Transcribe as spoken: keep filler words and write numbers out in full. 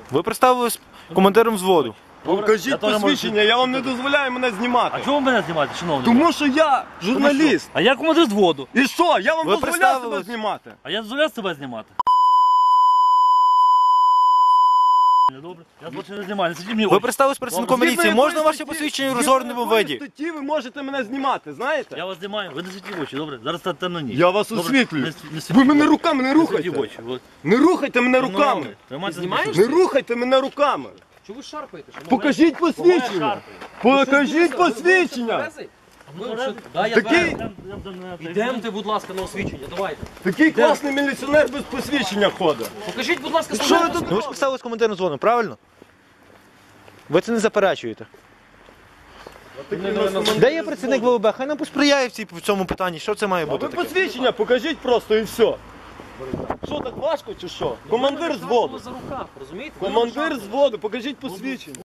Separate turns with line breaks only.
Ви представились командиром взводу.
Покажіть посвідчення, я вам не дозволяю мене знімати.
А чому ви мене знімаєте, шановний?
Тому що я журналіст.
А я командир взводу.
І що? Я вам
Ви
дозволяю
представились.
себе знімати.
А я дозволяю себе знімати. Добре, я більше не знімаю, не сидіть мені
Ви
очі.
представились працівником
Згідно
міліції.
якої
Можна ваше
статті-
посвідчення в
згідно
розгорнутому
якої
виді?
статті ви можете мене знімати, знаєте?
Я вас знімаю, ви не світлі в очі, добре? Зараз та темно ніч.
Я вас
Добре?
освітлюю.
Не с- не
Ви
світлі
мене
в очі.
руками не
Не світлі
рухайте.
в очі. от.
Не рухайте мене
Ну,
руками.
нормально. Тримайте
знімаєш?
Не рухайте мене руками.
Чого ви шарпаєте? Що
Покажіть
Кого я
посвідчення.
шарпаю?
Покажіть
Ви- ви- ви
посвідчення.
тверезий?
Ну,
Ви
тверезий?
що? Да, я
Такий-
тверезий.
Я- я- я- я-
Йдемте, будь ласка, на освічення, давайте.
Такий класний міліціонер без посвідчення ходить.
Покажіть, будь ласка,
Що ви
служебне
тут?
Ну ви ж представились командиром взводу, правильно? Ви це не заперечуєте. Де є працівник ВВБ? Хай нам посприяє в цій- в цьому питанні. Що це має
А
бути
ви
таке?
посвідчення покажіть просто і все. Що так важко чи що? Командир
посвідчення.
зводу.
За рукав, розумієте?
Командир зводу, покажіть посвідчення.